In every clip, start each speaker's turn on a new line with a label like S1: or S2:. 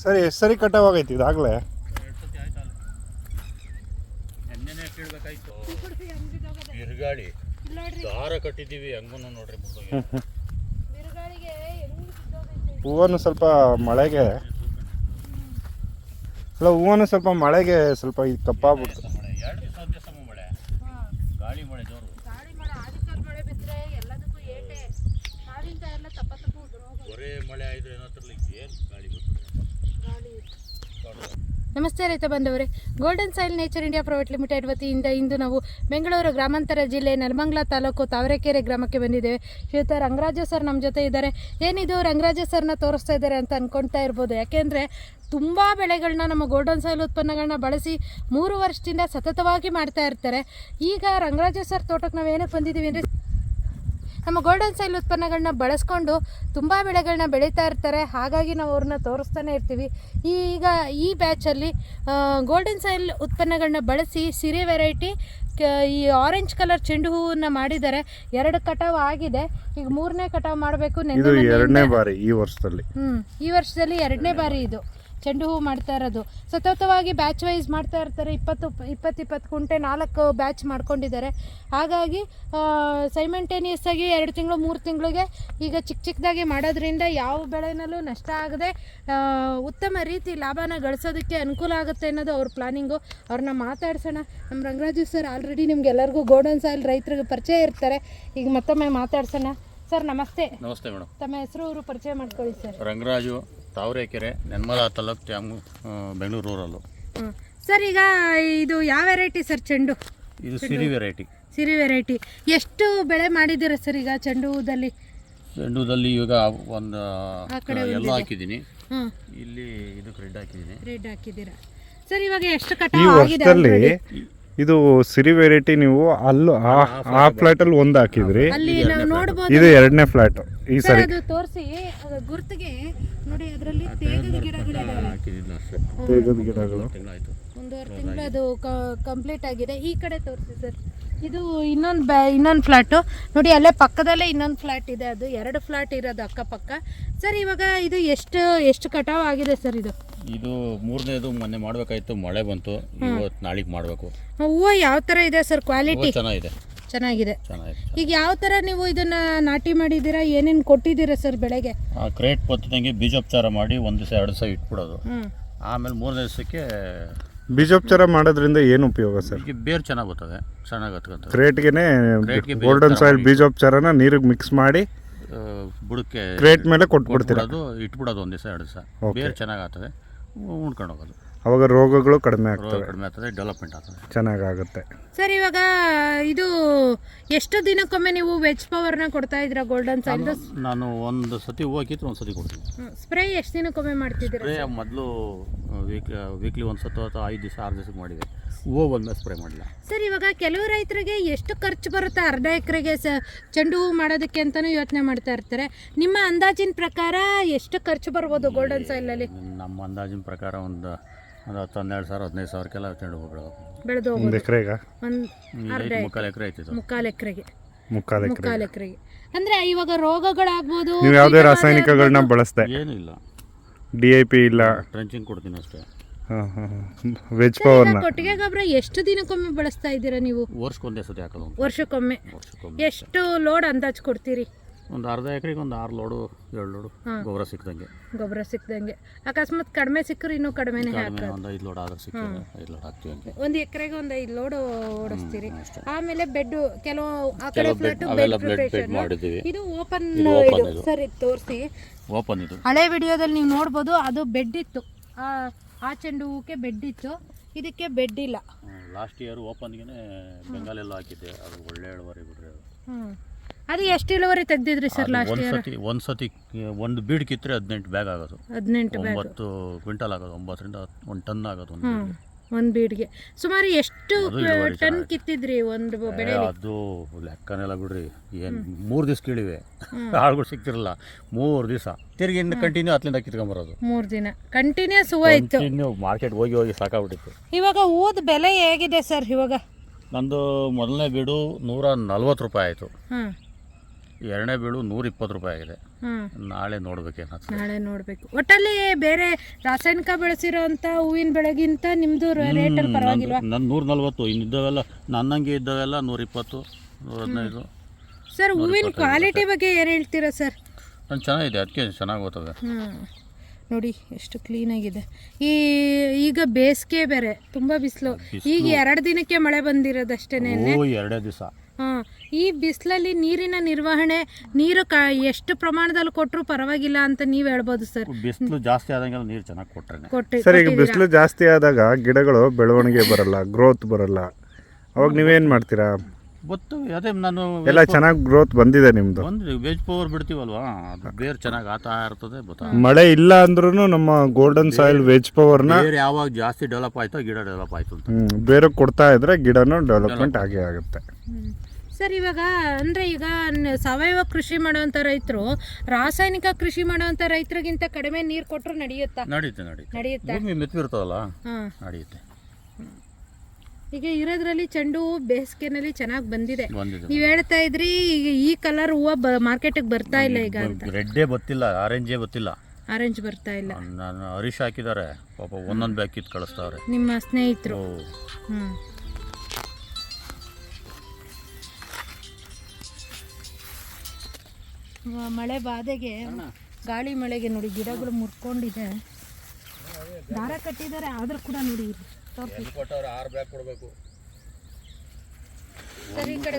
S1: ಸರಿ ಎಷ್ಟು ಸರಿ ಕಟಾವಾಗೈತಿ ಇದಾಗಲೇ?
S2: ಬಿರುಗಾಳಿ ದಾರ ಕಟ್ಟಿದ್ದೀವಿ ಹಂಗೂ ನೋಡ್ರಿ.
S1: ಹೂವನ್ನು ಸ್ವಲ್ಪ ಮಳೆಗೆ ಅಲ್ಲ, ಹೂವನ್ನು ಸ್ವಲ್ಪ ಮಳೆಗೆ ಸ್ವಲ್ಪ ಇದು ಕಪ್ಪಾಗ್ಬಿಡ್ತು.
S2: ಮಳೆ, ಗಾಳಿ ಮಳೆ ಜೋರು. ಬರೇ ಮಳೆ ಆಯ್ತು ಏನು ಗಾಳಿ ಬರ್ತದೆ.
S3: ನಮಸ್ತೆ ರೈತ ಬಂದವರೇ, golden soil nature India private limited ವತಿಯಿಂದ ಇಂದು ನಾವು ಬೆಂಗಳೂರು ಗ್ರಾಮಾಂತರ ಜಿಲ್ಲೆ ನೆಲಮಂಗಲ ತಾಲೂಕು ತಾವರೆಕೆರೆ ಗ್ರಾಮಕ್ಕೆ ಬಂದಿದ್ದೇವೆ. ಶ್ರೀಯುತ ರಂಗರಾಜು ಸರ್ ನಮ್ಮ ಜೊತೆ ಇದ್ದಾರೆ. ಏನಿದು ರಂಗರಾಜು ಸರ್ನ ತೋರಿಸ್ತಾ ಇದ್ದಾರೆ ಅಂತ ಅಂದ್ಕೊಳ್ತಾ ಇರ್ಬೋದು. ಯಾಕೆಂದರೆ ತುಂಬ ಬೆಳೆಗಳನ್ನ ನಮ್ಮ ಗೋಲ್ಡನ್ ಸಾಯಿಲ್ ಉತ್ಪನ್ನಗಳನ್ನ ಬಳಸಿ 3 ವರ್ಷದಿಂದ ಸತತವಾಗಿ ಮಾಡ್ತಾ ಇರ್ತಾರೆ. ಈಗ ರಂಗರಾಜು ಸರ್ ತೋಟಕ್ಕೆ ನಾವು ಏನಕ್ಕೆ ಬಂದಿದ್ದೀವಿ ಅಂದರೆ, ನಮ್ಮ ಗೋಲ್ಡನ್ ಸಾಯಿಲ್ ಉತ್ಪನ್ನಗಳನ್ನ ಬಳಸ್ಕೊಂಡು ತುಂಬ ಬೆಳೆಗಳನ್ನ ಬೆಳೀತಾ ಇರ್ತಾರೆ. ಹಾಗಾಗಿ ನಾವು ಅವ್ರನ್ನ ತೋರಿಸ್ತಾನೆ ಇರ್ತೀವಿ. ಈಗ ಈ ಬ್ಯಾಚಲ್ಲಿ ಗೋಲ್ಡನ್ ಸಾಯಿಲ್ ಉತ್ಪನ್ನಗಳನ್ನ ಬಳಸಿ ಸಿರಿ ವೆರೈಟಿ ಈ ಆರೆಂಜ್ ಕಲರ್ ಚೆಂಡು ಹೂವನ್ನ ಮಾಡಿದ್ದಾರೆ. 2 ಕಟಾವು ಆಗಿದೆ, ಈಗ 3ನೇ ಕಟಾವು ಮಾಡಬೇಕು.
S1: ಇದು 2ನೇ ಬಾರಿ ಈ ವರ್ಷದಲ್ಲಿ.
S3: ಈ ವರ್ಷದಲ್ಲಿ 2ನೇ ಬಾರಿ ಇದು ಚೆಂಡು ಹೂವು ಮಾಡ್ತಾ ಇರೋದು. ಸತತವಾಗಿ ಬ್ಯಾಚ್ ವೈಸ್ ಮಾಡ್ತಾ ಇರ್ತಾರೆ. 20 ಕುಂಟೆ 4 ಬ್ಯಾಚ್ ಮಾಡ್ಕೊಂಡಿದ್ದಾರೆ. ಹಾಗಾಗಿ ಸೈಮೆಂಟೇನಿಯಸ್ ಆಗಿ 2 ತಿಂಗಳು 3 ತಿಂಗಳಿಗೆ ಈಗ ಚಿಕ್ಕದಾಗಿ ಮಾಡೋದ್ರಿಂದ ಯಾವ ಬೆಳೆನಲ್ಲೂ ನಷ್ಟ ಆಗದೆ ಉತ್ತಮ ರೀತಿ ಲಾಭನ ಗಳಿಸೋದಕ್ಕೆ ಅನುಕೂಲ ಆಗುತ್ತೆ ಅನ್ನೋದು ಅವ್ರ ಪ್ಲಾನಿಂಗು. ಅವ್ರನ್ನ ಮಾತಾಡ್ಸೋಣ. ನಮ್ಮ ರಂಗರಾಜು ಸರ್ ಆಲ್ರೆಡಿ ನಿಮ್ಗೆಲ್ಲರಿಗೂ ಗೋಲ್ಡನ್ ಸಾಯಿಲ್ ರೈತರಿಗೆ ಪರಿಚಯ ಇರ್ತಾರೆ. ಈಗ ಮತ್ತೊಮ್ಮೆ ಮಾತಾಡ್ಸೋಣ. ಸರ್ ನಮಸ್ತೆ.
S2: ನಮಸ್ತೆ ಮೇಡಮ್.
S3: ತಮ್ಮ ಹೆಸರು ಊರು ಪರಿಚಯ ಮಾಡ್ಕೊಳ್ಳಿ sir.
S2: Rangaraju, Tavarekere, Nelamangala taluk, Bengaluru rural.
S3: Sir ಈಗ ಇದು ಯಾವ ವೆರೈಟಿ ಸರ್ ಚೆಂಡು?
S2: ಇದು ಸಿರಿ ವೆರೈಟಿ.
S3: ಸಿರಿ ವೆರೈಟಿ. ಎಷ್ಟು ಬೆಳೆ ಮಾಡಿದ್ದೀರಾ ಸರ್ ಈಗ ಚೆಂಡು ಹೂದಲ್ಲಿ?
S2: ಚೆಂಡು ಹೂದಲ್ಲಿ ಈಗ ಒಂದು ಎಲ್ಲ ಹಾಕಿದ್ದೀನಿ. ಇಲ್ಲಿ ಇದಕ್ಕೆ ರೆಡ್ ಹಾಕಿದ್ದೀರಾ
S3: ಸರ್. ಇವಾಗ ಎಷ್ಟು
S1: ಈ
S3: ಕಟಾವು ಆಗಿದೆ?
S1: ವರ್ಷದಲ್ಲಿ ಇದು ಸಿರಿ ವೆರೈಟಿ ನೀವು ಅಲ್ಲೂ ಆ ಫ್ಲಾಟ್ ಅಲ್ಲಿ ಒಂದು ಹಾಕಿದ್ರಿ,
S3: ಅಲ್ಲಿ ನಾವು ನೋಡಬಹುದು.
S1: ಇದು 2ನೇ ಫ್ಲಾಟ್ ಈ ಸರಿ.
S3: ಅದು ತೋರಿಸಿ ಗುರುತಿಗೆ ನೋಡಿ. ಅದರಲ್ಲಿ ತೇಗದ ಗಿಡಗಳಿದಾವೆ.
S1: ತೇಗದ ಗಿಡಗಳು
S3: 1.5 ತಿಂಗಳು ಅದು ಕಂಪ್ಲೀಟ್ ಆಗಿದೆ. ಈ ಕಡೆ ತೋರಿಸಿ ಸರ್. ಇದು ಇನ್ನೊಂದು ಫ್ಲಾಟು ನೋಡಿ. ಅಲ್ಲೇ ಪಕ್ಕದಲ್ಲೇ ಇನ್ನೊಂದು ಫ್ಲಾಟ್ ಇದೆ. ಅದು 2 ಫ್ಲಾಟ್ ಇರೋದು ಅಕ್ಕಪಕ್ಕ. ಸರ್ ಇವಾಗ ಇದು ಎಷ್ಟು ಕಟಾವು ಆಗಿದೆ ಸರ್?
S2: ಇದು 3ನೇದು ಮೊನ್ನೆ ಮಾಡಬೇಕಾಯ್ತು, ಮಳೆ ಬಂತು. ಇವತ್ತು ನಾಳೆಗೆ ಮಾಡಬೇಕು.
S3: ಹೂವು ಯಾವ ಥರ ಇದೆ ಸರ್? ಕ್ವಾಲಿಟಿ ಚೆನ್ನಾಗಿದೆ. ಈಗ ಯಾವ ಥರ ನೀವು ಇದನ್ನ ನಾಟಿ ಮಾಡಿದ್ದೀರಾ? ಏನೇನು ಕೊಟ್ಟಿದ್ದೀರಾ ಸರ್ ಬೆಳೆಗೆ?
S2: ಕ್ರೇಟ್ ಪತ್ತಿದಂಗೆ ಬೀಜೋಪಚಾರ ಮಾಡಿ 1 ದಿವಸ 2 ದಿವಸ ಇಟ್ಬಿಡೋದು. ಆಮೇಲೆ 3ನೇ ದಿವಸಕ್ಕೆ
S1: ಬೀಜೋಪಚಾರ ಮಾಡೋದ್ರಿಂದ ಏನು ಉಪಯೋಗ ಸರ್?
S2: ಈಗ ಬೇರು ಚೆನ್ನಾಗಿ ಬರ್ತದೆ, ಚೆನ್ನಾಗಿ ಹತ್ಕೊಂತದೆ.
S1: ಕ್ರೇಟ್ಗೆನೆ ಗೋಲ್ಡನ್ ಸಾಯಿಲ್ ಬೀಜೋಪಚಾರನ ನೀರಿಗೆ ಮಿಕ್ಸ್ ಮಾಡಿ
S2: ಬುಡಕ್ಕೆ
S1: ಕ್ರೇಟ್ ಮೇಲೆ ಕೊಟ್ಬಿಡ್ತೀರಾ?
S2: ಇಟ್ಬಿಡೋದು 1 ದಿವಸ 2 ದಿವಸ. ಬೇರು ಚೆನ್ನಾಗಿ ಆಗ್ತದೆ, ಉಣ್ಕೊಂಡು ಹೋಗೋದು.
S1: ಅವಾಗ ರೋಗಗಳು ಕಡಿಮೆ ಆಗ್ತದೆ,
S2: ಡೆವಲಪ್ಮೆಂಟ್ ಆಗ್ತದೆ,
S1: ಚೆನ್ನಾಗುತ್ತೆ.
S3: ಸರ್ ಇವಾಗ ಇದು ಎಷ್ಟು ದಿನಕ್ಕೊಮ್ಮೆ ನೀವು ವೆಜ್ ಪವರ್ನ ಕೊಡ್ತಾ ಇದ್ದೀರಾ ಗೋಲ್ಡನ್ ಸಾಯಿಲ್?
S2: ನಾನು ಒಂದು ಸತಿ ಹೋಗಿತ್ತು, ಒಂದು ಸತಿ ಕೊಡ್ತೀನಿ.
S3: ಸ್ಪ್ರೇ ಎಷ್ಟು ದಿನಕ್ಕೊಮ್ಮೆ ಮಾಡ್ತಿದ್ದೀರಾ?
S2: ಸ್ಪ್ರೇ ಮೊದಲು ವೀಕ್ಲಿ 1 ಸತಿ ಅಥವಾ 5 ದಿವಸ 6 ದಿವಸಕ್ಕೆ ಮಾಡಿದೆ. ಹೂವು ಬಂದ್ಮೇಲೆ ಸ್ಪ್ರೇ ಮಾಡಿಲ್ಲ. ಸರ್
S3: ಇವಾಗ ಕೆಲವು ರೈತರಿಗೆ ಎಷ್ಟು ಖರ್ಚು ಬರುತ್ತೆ ಅರ್ಧ ಎಕರೆಗೆ ಚೆಂಡು ಹೂವು ಮಾಡೋದಕ್ಕೆ ಅಂತಲೂ ಯೋಚನೆ ಮಾಡ್ತಾ ಇರ್ತಾರೆ. ನಿಮ್ಮ ಅಂದಾಜಿನ ಪ್ರಕಾರ ಎಷ್ಟು ಖರ್ಚು ಬರ್ಬೋದು ಗೋಲ್ಡನ್ ಸಾಯಿಲಲ್ಲಿ?
S2: ನಮ್ಮ ಅಂದಾಜಿನ ಪ್ರಕಾರ ಒಂದು 12,000 15,000ಕ್ಕೆಲ್ಲ ಚೆಂಡು ಹೂವು
S3: ಬೆಳೆದು
S1: ಒಂದು ಎಕರೆಗೆ
S3: ಮುಕ್ಕಾಲು ಎಕರೆಗೆ ಅಂದ್ರೆ ಇವಾಗ ರೋಗಗಳಾಗ್ಬೋದು.
S1: ನೀವು ಯಾವುದೇ ರಾಸಾಯನಿಕಗಳನ್ನ ಬಳಸ್ದೆ?
S2: ಏನಿಲ್ಲ,
S1: DIP ಇಲ್ಲ,
S2: ಟ್ರೆಂಚಿಂಗ್ ಕೊಡ್ತೀನಿ ಅಷ್ಟೇ.
S1: ವೆಜ್ ಪವರ್ನ
S3: ಕೊಟ್ಟಿಗೆ ಗೊಬ್ಬರ ಎಷ್ಟು ದಿನಕ್ಕೊಮ್ಮೆ ಬಳಸ್ತಾ ಇದ್ದೀರಾ ನೀವು?
S2: ವರ್ಷಕ್ಕೊಂದೇ ಸತಿ ಹಾಕೋದು.
S3: ವರ್ಷಕ್ಕೊಮ್ಮೆ ಎಷ್ಟು ಲೋಡ್ ಅಂದಾಜು ಕೊಡ್ತೀರಿ?
S2: ಒಂದು ಅರ್ಧ ಎಕರೆಗೆ ಒಂದು 6 ಲೋಡು 7 ಲೋಡು ಗೊಬ್ಬರ ಸಿಕ್ದಂಗೆ. ಅಕಸ್ಮಾತ್
S3: ಕಡಿಮೆ ಸಿಕ್ಕರು ಇನ್ನೂ ಕಡಿಮೆನೇ
S2: ಹಾಕೋದು. ಒಂದು 5 ಲೋಡ್ ಆದ್ರೆ ಸಿಕ್ಕಿದ್ರೆ 5 ಲೋಡ್ ಹಾಕ್ತೀವಿ ಅಂತ.
S3: ಒಂದು ಎಕರೆಗೆ ಒಂದು 5 ಲೋಡ್ ಓಡಿಸ್ತೀರಿ. ಆಮೇಲೆ ಬೆಡ್ ಕೆಲವು ಆ ಕಡೆ ಫ್ಲಾಟ್
S2: ಬೆಡ್ ಮಾಡಿದ್ದೀವಿ.
S3: ಇದು ಓಪನ್ ಸರ್. ಇದು ತೋರಿಸಿ.
S2: ಓಪನ್ ಇದು
S3: ಹಳೆ ವಿಡಿಯೋದಲ್ಲಿ ನೀವು ನೋಡ್ಬೋದು. ಅದು ಬೆಡ್ ಇತ್ತು, ಆ ಚೆಂಡು ಹೂಕ್ಕೆ ಬೆಡ್ ಇತ್ತು, ಇದಕ್ಕೆ ಬೆಡ್ ಇಲ್ಲ.
S2: ಲಾಸ್ಟ್ ಇಯರ್ ಓಪನ್ಗೆ ಬೆಂಗಾಲೆಲ್ಲ ಹಾಕಿದ್ದೆ. ಅದು ಒಳ್ಳೆ ಇಳುವರಿ ಬಿಡ್ರಿ.
S3: ಅದು ಎಷ್ಟು ಇಳುವರಿ ತೆಗ್ದಿದ್ರಿ ಸರ್ ಲಾಸ್ಟ್ ಇಯರ್?
S2: ಒಂದು ಸತಿ ಒಂದು ಬೀಡ್ ಕಿತ್ತರೆ 18 ಬ್ಯಾಗ್ ಆಗೋದು. 9 ಕ್ವಿಂಟಲ್ ಆಗೋದು. 9ರಿಂದ 1 ಟನ್ ಆಗೋದು
S3: ಒಂದು ಬೀಡ್ಗೆ. ಸುಮಾರು ಎಷ್ಟು ಟನ್ ಕಿತ್ತಿದ್ರಿ ಒಂದು ಬೆಳೆ?
S2: ಅದು ಲೆಕ್ಕನೆಲ್ಲ ಬಿಡ್ರಿ. ಏನು 3 ದಿವಸ ಕೀಳಿವೆ, ಆಳುಗಳು ಸಿಗ್ತಿರಲ್ಲ. 3 ದಿವಸ ತಿರುಗಿ ಕಂಟಿನ್ಯೂ ಅಲ್ಲಿಂದ ಕಿತ್ಕೊಂಬರೋದು.
S3: 3 ದಿನ ಕಂಟಿನ್ಯೂಸ್ ಹೂವು ಇತ್ತು.
S2: ಮಾರ್ಕೆಟ್ ಹೋಗಿ ಸಾಕಾಗ್ಬಿಟ್ಟಿತ್ತು.
S3: ಇವಾಗ ಹೂವದ ಬೆಲೆ ಹೇಗಿದೆ ಸರ್? ಇವಾಗ
S2: ನಂದು ಮೊದಲನೇ ಬೀಡು 140 ರೂಪಾಯಿ ಆಯಿತು. ಎರಡನೇ ಬೀಳು 120 ರೂಪಾಯಿ ಆಗಿದೆ.
S3: ಹ್ಮ್
S2: ನಾಳೆ ನೋಡ್ಬೇಕೇನಾದ್ರು.
S3: ನಾಳೆ ನೋಡ್ಬೇಕು. ಒಟ್ಟಲ್ಲಿ ಬೇರೆ ರಾಸಾಯನಿಕ ಬೆಳೆಸಿರೋಂಥ ಹೂವಿನ ಬೆಳೆಗಿಂತ ನಿಮ್ದು ರೇಟಲ್ಲಿ ಪರವಾಗಿಲ್ವಾ?
S2: ನನ್ನ 140, ಇನ್ನಿದ್ದವೆಲ್ಲ ನನ್ನಂಗೆ ಇದ್ದವೆಲ್ಲ 120, 115.
S3: ಸರ್ ಹೂವಿನ ಕ್ವಾಲಿಟಿ ಬಗ್ಗೆ ಏನು ಹೇಳ್ತೀರಾ ಸರ್?
S2: ನಾನು ಚೆನ್ನಾಗಿದೆ, ಅದಕ್ಕೆ ಚೆನ್ನಾಗಿ ಹೋಗ್ತವೆ.
S3: ನೋಡಿ ಎಷ್ಟು ಕ್ಲೀನಾಗಿದೆ. ಈಗ ಬೇಸಿಗೆ ಬೇರೆ ತುಂಬ ಬಿಸಿಲು. ಈಗ 2 ದಿನಕ್ಕೆ ಮಳೆ ಬಂದಿರೋದಷ್ಟೇನೆ.
S2: 2 ದಿವಸ.
S3: ಈ ಬಿಸಿಲಲ್ಲಿ ನೀರಿನ ನಿರ್ವಹಣೆ, ನೀರು ಎಷ್ಟು ಪ್ರಮಾಣದಲ್ಲಿ ಕೊಟ್ಟರು ಪರವಾಗಿಲ್ಲ ಅಂತ ನೀವು ಹೇಳ್ಬೋದು ಸರ್.
S2: ಬಿಸಿಲು ಜಾಸ್ತಿ ಆದಂಗೆಲ್ಲ ನೀರು ಚೆನ್ನಾಗಿ ಕೊಟ್ಟರೆ
S1: ಸರ್. ಈಗ ಬಿಸಿಲು ಜಾಸ್ತಿ ಆದಾಗ ಗಿಡಗಳು ಬೆಳವಣಿಗೆ ಬರಲ್ಲ, ಗ್ರೋತ್ ಬರಲ್ಲ. ಅವಾಗ ನೀವೇನು ಮಾಡ್ತೀರಾ?
S2: ಗೊತ್ತವೆ, ಅದೇ ನಾನು
S1: ಎಲ್ಲ ಚೆನ್ನಾಗಿ ಗ್ರೋತ್ ಬಂದಿದೆ ನಿಮ್ಮದು.
S2: ಬಂದಿದೆ, ವೆಜ್ ಪವರ್ ಬಿಡ್ತೀವಲ್ವಾ, ಅದು ಬೇರೆ ಚೆನ್ನಾಗಿ ಆತಾ ಇರ್ತದೆ.
S1: ಮಳೆ ಇಲ್ಲ ಅಂದ್ರೂ ನಮ್ಮ ಗೋಲ್ಡನ್ ಸಾಯಿಲ್ ವೆಜ್ ಪವರ್ನ
S2: ಬೇರೆ ಯಾವಾಗ ಜಾಸ್ತಿ ಡೆವಲಪ್ ಆಯ್ತೋ ಗಿಡ ಡೆವಲಪ್ ಆಯ್ತು ಅಂತ
S1: ಬೇರೆ ಕೊಡ್ತಾ ಇದ್ರೆ ಗಿಡನೂ ಡೆವಲಪ್ಮೆಂಟ್ ಆಗೇ ಆಗುತ್ತೆ.
S3: ಸರ್ ಇವಾಗ ಅಂದರೆ ಈಗ ಸಾವಯವ ಕೃಷಿ ಮಾಡುವಂಥ ರೈತರು ರಾಸಾಯನಿಕ ಕೃಷಿ ಮಾಡುವಂಥ ರೈತರಿಗಿಂತ ಕಡಿಮೆ ನೀರು ಕೊಟ್ಟರು ನಡೆಯುತ್ತಾ? ನಡೆಯುತ್ತೆ.
S2: ಭೂಮಿ ಮೆತ್ತಗಿರ್ತದಲ್ಲ, ನಡೆಯುತ್ತೆ.
S3: ಈಗ ಇರೋದ್ರಲ್ಲಿ ಚೆಂಡು ಹೂವು ಬೇಸಿಗೆನಲ್ಲಿ ಚೆನ್ನಾಗಿ ಬಂದಿದೆ. ನೀವು ಹೇಳ್ತಾ ಇದ್ರಿ ಈಗ ಈ ಕಲರ್ ಹೂವು ಮಾರ್ಕೆಟಿಗೆ ಬರ್ತಾ ಇಲ್ಲ ಈಗ ಅಂತ.
S2: ರೆಡ್ಡೇ ಗೊತ್ತಿಲ್ಲ, ಆರೆಂಜೇ ಗೊತ್ತಿಲ್ಲ.
S3: ಆರೆಂಜ್ ಬರ್ತಾ ಇಲ್ಲ.
S2: ನಾನು ಹರೀಶ್ ಹಾಕಿದ್ದಾರೆ ಪಾಪ, ಒಂದೊಂದು ಬ್ಯಾಗ್ ಕಿತ್ತು ಕಳಿಸ್ತಾವ್ರೆ
S3: ನಿಮ್ಮ ಸ್ನೇಹಿತರು. ಮಳೆ ಬಾಧೆಗೆ, ಗಾಳಿ ಮಳೆಗೆ ನೋಡಿ ಗಿಡಗಳು ಮುರ್ಕೊಂಡಿದೆ. ದಾರ ಕಟ್ಟಿದ್ದಾರೆ ಆದ್ರೂ ಕೂಡ ನೋಡಿ ಸರಿ ಕಡೆ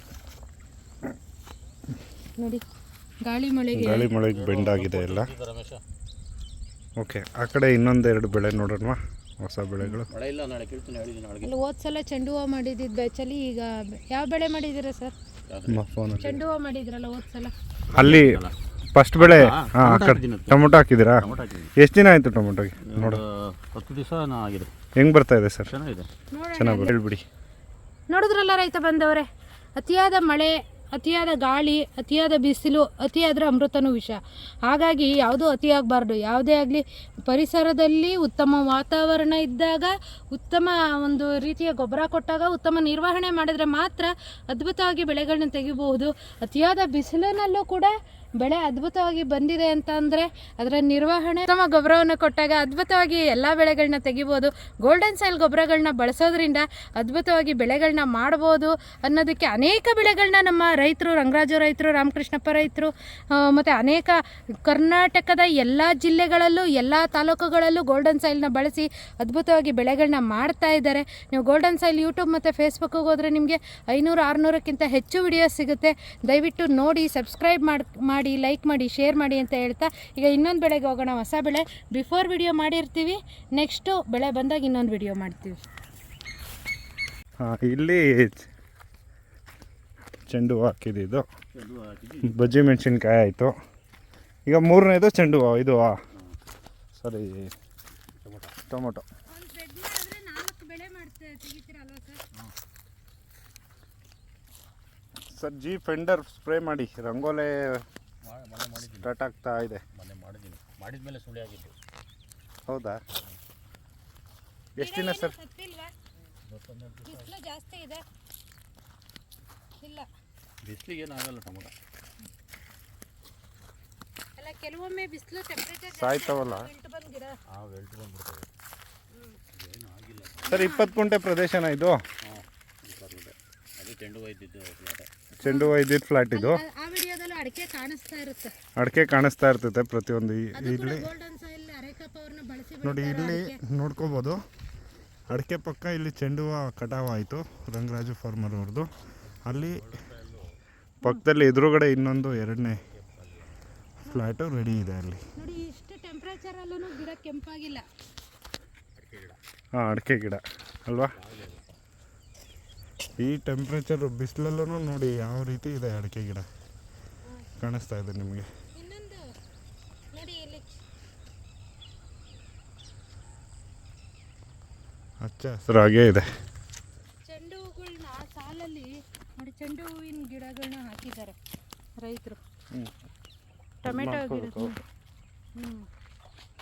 S3: ನೋಡಿ ಗಾಳಿ ಮಳೆಗೆ
S1: ಬೆಂಡ್ ಆಗಿದೆ ಎಲ್ಲ. ಓಕೆ, ಆ ಕಡೆ ಇನ್ನೊಂದೆರಡು ಬೆಳೆ ನೋಡೋಣ, ಹೊಸ ಬೆಳೆಗಳು.
S3: ಅಲ್ಲಿ ಹೋದ್ಸಲ ಚೆಂಡು ಹೂವು ಮಾಡಿದ್ದು ಬೆಚ್ಚಲಿ, ಈಗ ಯಾವ ಬೆಳೆ ಮಾಡಿದ್ದೀರಾ ಸರ್? ಚೆಂಡು ಹೂವು ಮಾಡಿದ್ರಲ್ಲ ಹೋದ್ಸಲ.
S1: ಅಲ್ಲಿ ಫಸ್ಟ್ ಬೆಳೆ ಟೊಮೊಟೊ ಹಾಕಿದ್ದೀರಾ? ಎಷ್ಟು ದಿನ ಆಯಿತು ಟೊಮೊಟೊಗೆ? ನೋಡು
S2: 10 ದಿವಸ ಆಗಿದೆ.
S1: ಹೆಂಗೆ ಬರ್ತಾ ಇದೆ ಸರ್?
S2: ಚೆನ್ನಾಗಿದೆ,
S1: ಹೇಳ್ಬಿಡಿ.
S3: ನೋಡಿದ್ರಲ್ಲ ರೈತ ಬಂದವರೇ, ಅತಿಯಾದ ಮಳೆ, ಅತಿಯಾದ ಗಾಳಿ, ಅತಿಯಾದ ಬಿಸಿಲು, ಅತಿಯಾದರೆ ಅಮೃತನೂ ವಿಷ. ಹಾಗಾಗಿ ಯಾವುದೂ ಅತಿಯಾಗಬಾರ್ದು. ಯಾವುದೇ ಆಗಲಿ ಪರಿಸರದಲ್ಲಿ ಉತ್ತಮ ವಾತಾವರಣ ಇದ್ದಾಗ, ಉತ್ತಮ ಒಂದು ರೀತಿಯ ಗೊಬ್ಬರ ಕೊಟ್ಟಾಗ, ಉತ್ತಮ ನಿರ್ವಹಣೆ ಮಾಡಿದರೆ ಮಾತ್ರ ಅದ್ಭುತವಾಗಿ ಬೆಳೆಗಳನ್ನ ತೆಗಿಬಹುದು. ಅತಿಯಾದ ಬಿಸಿಲಿನಲ್ಲೂ ಕೂಡ ಬೆಳೆ ಅದ್ಭುತವಾಗಿ ಬಂದಿದೆ ಅಂತ ಅಂದರೆ ಅದರ ನಿರ್ವಹಣೆ, ಉತ್ತಮ ಗೊಬ್ಬರವನ್ನು ಕೊಟ್ಟಾಗ ಅದ್ಭುತವಾಗಿ ಎಲ್ಲ ಬೆಳೆಗಳನ್ನ ತೆಗಿಬೋದು. ಗೋಲ್ಡನ್ ಸಾಯಿಲ್ ಗೊಬ್ಬರಗಳನ್ನ ಬಳಸೋದ್ರಿಂದ ಅದ್ಭುತವಾಗಿ ಬೆಳೆಗಳನ್ನ ಮಾಡ್ಬೋದು ಅನ್ನೋದಕ್ಕೆ ಅನೇಕ ಬೆಳೆಗಳನ್ನ ನಮ್ಮ ರೈತರು, ರಂಗರಾಜು ರೈತರು, ರಾಮಕೃಷ್ಣಪ್ಪ ರೈತರು ಮತ್ತು ಅನೇಕ ಕರ್ನಾಟಕದ ಎಲ್ಲ ಜಿಲ್ಲೆಗಳಲ್ಲೂ, ಎಲ್ಲ ತಾಲೂಕುಗಳಲ್ಲೂ ಗೋಲ್ಡನ್ ಸಾಯಿಲ್ನ ಬಳಸಿ ಅದ್ಭುತವಾಗಿ ಬೆಳೆಗಳನ್ನ ಮಾಡ್ತಾ ಇದ್ದಾರೆ. ನೀವು ಗೋಲ್ಡನ್ ಸಾಯಿಲ್ ಯೂಟ್ಯೂಬ್ ಮತ್ತು ಫೇಸ್ಬುಕ್ಕಿಗೆ ಹೋದರೆ ನಿಮಗೆ 500-600ಕ್ಕಿಂತ ಹೆಚ್ಚು ವಿಡಿಯೋಸ್ ಸಿಗುತ್ತೆ. ದಯವಿಟ್ಟು ನೋಡಿ, ಸಬ್ಸ್ಕ್ರೈಬ್ ಮಾಡಿ, ಲೈಕ್ ಮಾಡಿ, ಶೇರ್ ಮಾಡಿ ಅಂತ ಹೇಳ್ತಾ ಈಗ ಇನ್ನೊಂದು ಬೆಳೆಗೆ ಹೋಗೋಣ. ಹೊಸ ಬೆಳೆ ಬಿಫೋರ್ ವಿಡಿಯೋ ಮಾಡಿರ್ತೀವಿ, ನೆಕ್ಸ್ಟು ಬೆಳೆ ಬಂದಾಗ ಇನ್ನೊಂದು ವಿಡಿಯೋ ಮಾಡ್ತೀವಿ.
S1: ಇಲ್ಲಿ ಚೆಂಡು ಹೂವು ಹಾಕಿದ್ದು, ಬಜ್ಜಿ ಮೆಣಸಿನ್ಕಾಯಿ ಆಯಿತು. ಈಗ ಮೂರನೇದು ಚೆಂಡು ಹೂವು. ಇದು ಸರಿ, ಟೊಮೊಟೊ. ಸರ್ ಜಿ ಫೆಂಡರ್ ಸ್ಪ್ರೇ ಮಾಡಿ, ರಂಗೋಲೆ ಸ್ಟಾರ್ಟ್ ಆಗ್ತಾ ಇದೆ.
S2: ಮಾಡಿದ್ಮೇಲೆ ಸುಳಿ ಆಗಿತ್ತು.
S1: ಹೌದಾ? ಎಷ್ಟು ದಿನ ಸರ್?
S3: ಬಿಸಿಲು ಜಾಸ್ತಿ ಇದೆ. ಇಲ್ಲ,
S2: ಬಿಸಿಲಿಗೆ ಏನಾಗಲ್ಲ ಟೊಮೊಟೊ.
S3: ಅಲ್ಲ, ಕೆಲವೊಮ್ಮೆ ಬಿಸಿಲು ಟೆಂಪರೇಚರ್
S1: ಸಾಯ್ತವಲ್ಲ
S3: ಗಿಡ
S2: ಬಂದ್ಬಿಡ್ತವೆ.
S1: ಸರ್ 20 ಗುಂಟೆ ಪ್ರದೇಶನ ಇದು?
S2: ಅದು ಚೆಂಡು ಹೂವು ಇದ್ದಿದ್ದು ಫ್ಲಾಟ್.
S1: ಚೆಂಡು ಹೂವು ಇದ್ದಿದ್ದು ಫ್ಲಾಟ್ ಇದು.
S3: ಆ ವಿಡಿಯೋದಲ್ಲೂ ಅಡಿಕೆ ಕಾಣಿಸ್ತಾ ಇರುತ್ತೆ.
S1: ಅಡಿಕೆ ಕಾಣಿಸ್ತಾ ಇರ್ತೈತೆ ಪ್ರತಿಯೊಂದು. ಇಲ್ಲಿ
S3: ಗೋಲ್ಡನ್ ಸಾಯಿಲ್ ಅರೇಕಾ ಪವರ್ನ ಬಳಸಿ
S1: ನೋಡಿ, ಇಲ್ಲಿ ನೋಡ್ಕೋಬೋದು. ಅಡಿಕೆ ಪಕ್ಕ ಇಲ್ಲಿ ಚೆಂಡು ಹೂವು ಕಟಾವು ಆಯಿತು, ರಂಗರಾಜು ಫಾರ್ಮರ್ ಅವ್ರದ್ದು. ಅಲ್ಲಿ ಪಕ್ಕದಲ್ಲಿ ಎದುರುಗಡೆ ಇನ್ನೊಂದು 2ನೇ ಫ್ಲ್ಯಾಟು ರೆಡಿ ಇದೆ. ಅಲ್ಲಿ
S3: ನೋಡಿ, ಇಷ್ಟು ಟೆಂಪ್ರೇಚರಲ್ಲೂ ಗಿಡ ಕೆಂಪಾಗಿಲ್ಲ.
S1: ಹಾಂ, ಅಡಿಕೆ ಗಿಡ ಅಲ್ವಾ? ಈ ಟೆಂಪ್ರೇಚರ್ ಬಿಸಿಲಲ್ಲೂ ನೋಡಿ ಯಾವ ರೀತಿ ಇದೆ ಅಡಿಕೆ ಗಿಡ ಕಾಣಿಸ್ತಾ ಇದೆ ನಿಮಗೆ.
S3: ಇನ್ನೊಂದು ನೋಡಿ, ಇಲ್ಲಿ
S1: ಹಚ್ಚ ಹಸಿರಾಗೇ ಇದೆ.
S3: ಚೆಂಡು ಹೂಗಳನ್ನ ಸಾಲಲ್ಲಿ ನೋಡಿ, ಚೆಂಡು ಹೂವಿನ ಗಿಡಗಳನ್ನ ಹಾಕಿದ್ದಾರೆ ರೈತರು. ಟೊಮೆಟೊ ಗಿಡ.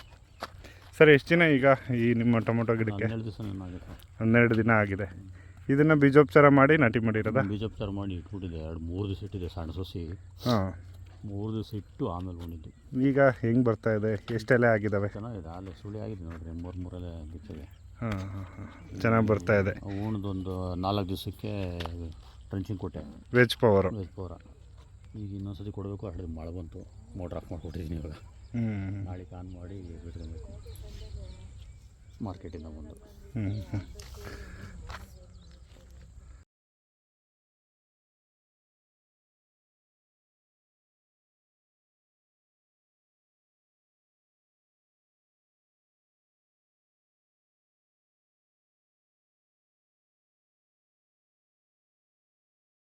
S1: ಸರ್ ಎಷ್ಟು ದಿನ ಈಗ ಈ ನಿಮ್ಮ ಟೊಮೊಟೊ ಗಿಡಕ್ಕೆ?
S2: 12 ದಿವಸ
S1: 12 ದಿನ ಆಗಿದೆ. ಇದನ್ನು ಬೀಜೋಪಚಾರ ಮಾಡಿ ನಾಟಿ ಮಾಡಿರೋದಾ?
S2: ಬೀಜೋಪಚಾರ ಮಾಡಿ ಇಟ್ಬಿಟ್ಟಿದೆ 2-3 ದಿವಸ ಇಟ್ಟಿದೆ ಸಣ್ಣ ಸೊಸಿ.
S1: ಹಾಂ,
S2: 3 ದಿವಸ ಇಟ್ಟು ಆಮೇಲೆ ಬಂದಿದ್ದು.
S1: ಈಗ ಹೆಂಗೆ ಬರ್ತಾ ಇದೆ? ಎಷ್ಟೆಲೆ ಆಗಿದ್ದಾವೆ?
S2: ಚೆನ್ನಾಗಿದೆ, ಅಲ್ಲೇ ಸುಳಿ ಆಗಿದೆ ನೋಡ್ರಿ, 3 ಬಿತ್ತಿದೆ.
S1: ಹಾಂ ಹಾಂ ಹಾಂ, ಚೆನ್ನಾಗಿ ಬರ್ತಾ ಇದೆ.
S2: ಉಣ್ದೊಂದು 4 ದಿವಸಕ್ಕೆ ಟ್ರಂಚಿಂಗ್ ಕೊಟ್ಟೆ,
S1: ವೆಜ್ ಪವರ್.
S2: Veg power. ಈಗ ಇನ್ನೊಂದ್ಸತಿ ಕೊಡಬೇಕು. ಅಡ್ಡಿ ಮಳೆ ಬಂತು, ಮೋಟ್ರ್ ಆಫ್ ಮಾಡಿಕೊಟ್ಟಿದ್ದೀನಿ. ಇವಾಗ ನಾಳೆ ಆನ್ ಮಾಡಿ ಬಿಟ್ಕೊಬೇಕು ಮಾರ್ಕೆಟಿಂದ ಬಂದು.